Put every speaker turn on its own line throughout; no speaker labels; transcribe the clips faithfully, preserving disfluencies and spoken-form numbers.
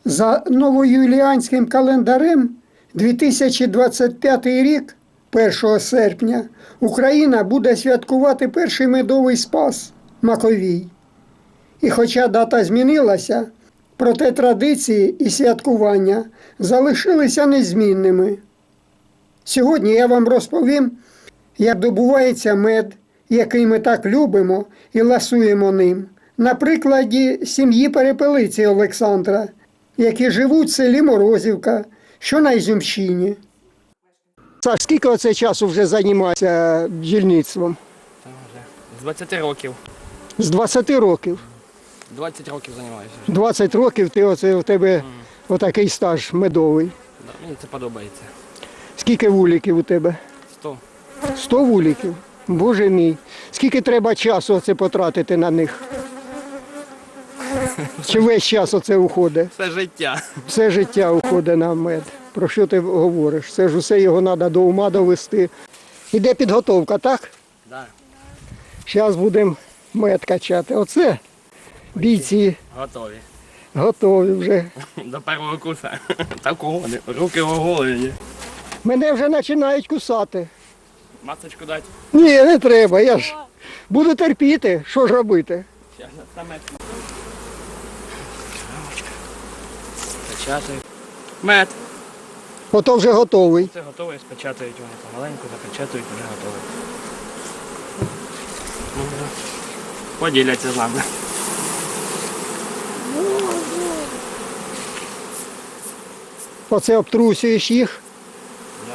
За новоюліанським календарем дві тисячі двадцять п'ятий рік, першого серпня, Україна буде святкувати перший медовий спас – Маковій. І хоча дата змінилася, проте традиції і святкування залишилися незмінними. Сьогодні я вам розповім, як добувається мед, який ми так любимо і ласуємо ним, на прикладі сім'ї Перепелиці Олександра, які живуть в селі Морозівка, що на Ізюмщині. Саш, скільки оце часу вже займаєшся бджільництвом?
З двадцяти років.
З двадцяти років?
двадцять років займаюся.
двадцять років ти оце, у тебе mm. отакий стаж медовий.
Да, мені це подобається.
Скільки вуликів у тебе?
Сто.
Сто вуликів? Боже мій. Скільки треба часу оце потратити на них? Чи весь час оце уходить?
Все життя.
Все життя уходить на мед. Про що ти говориш? Це ж усе його треба до ума довести. Іде підготовка, так? Так.
Да.
Зараз будемо мед качати. Оце бійці.
Готові.
Готові вже.
До першого куса. Такого, руки оголені.
Мене вже починають кусати.
Масочку дати?
Ні, не треба, я ж буду терпіти. Що ж робити?
Зараз саме. Печатаю. Мед.
Ото вже готовий.
Це готовий, спечатають вони помаленьку, запечатують, вже готовий. Поділяться з нами.
Оце обтрусюєш їх.
Да.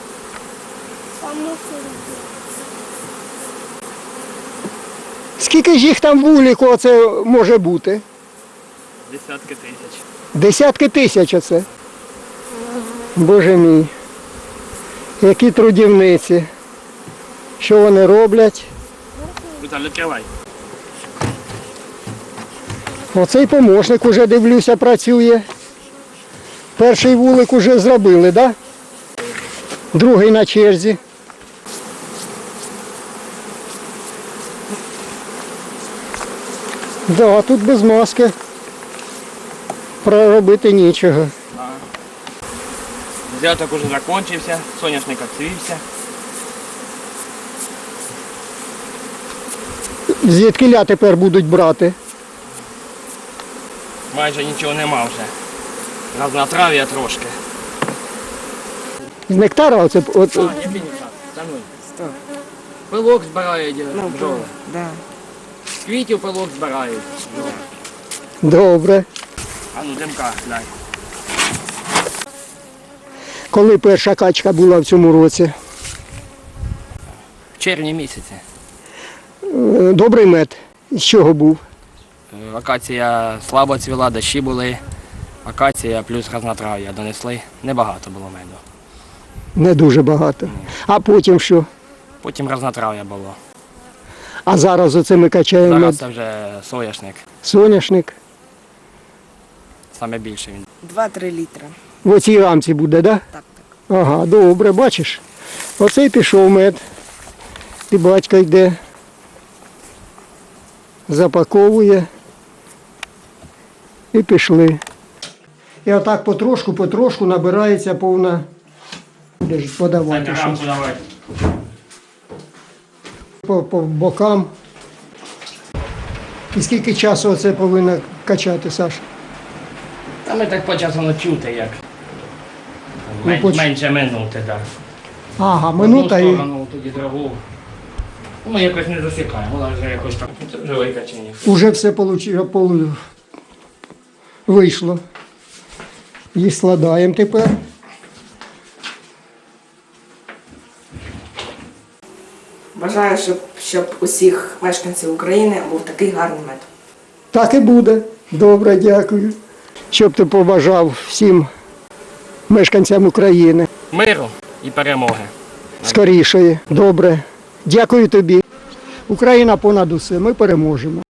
Скільки ж їх там вулику оце може бути?
Десятки тисяч.
Десятки тисяч оце. Боже мій. Які трудівниці. Що вони роблять?
Віталій, відкривай.
Оцей помощник уже, дивлюся, працює. Перший вулик уже зробили, так? Да? Другий на черзі. Так, да, тут без маски проробити нічого.
Взяток уже закінчився, соняшник відцвівся.
Звідкиля тепер будуть брати?
Майже нічого нема вже. Разнотрав'я трошки.
З нектара оце? От...
А, який нектар? Стануй. Пилок збирають
Ну,
бджоли.
да.
З квітів пилок збирають бджоли.
Добре.
А ну, димка, глянь.
Коли перша качка була в цьому році?
В червні місяці.
Добрий мед. З чого був?
Акація слабо цвіла, дощі були. Акація плюс разнотрав'я донесли. Небагато було меду.
Не дуже багато.
Ні.
А потім що?
Потім разнотрав'я було.
А зараз оце ми качаємо
Зараз
мед.
це вже соняшник.
Соняшник.
Саме більше він.
два-три літра.
В оцій рамці буде, так? Да?
Так, так.
Ага, добре, бачиш. Оцей пішов мед. І батько йде. Запаковує. І пішли. І отак потрошку, потрошку набирається повна. Де ж подавати щось. По, по бокам. І скільки часу оце повинно качати, Саш?
Та ми так по часу не чути, як.
Ну,
Мен,
поч-
менше минути, так.
Ага, минута
Одну
і...
сторону, тоді другу. Ми якось не засікаємо, вона вже якось так. Це вже викачені.
Уже все получило, полу... вийшло. Їх складаємо тепер.
Бажаю, щоб, щоб усіх мешканців України був такий гарний мед.
Так і буде. Добре, дякую. Щоб ти побажав всім мешканцям України
Миру і перемоги.
скорішої. Добре. Дякую тобі. Україна понад усе. Ми переможемо.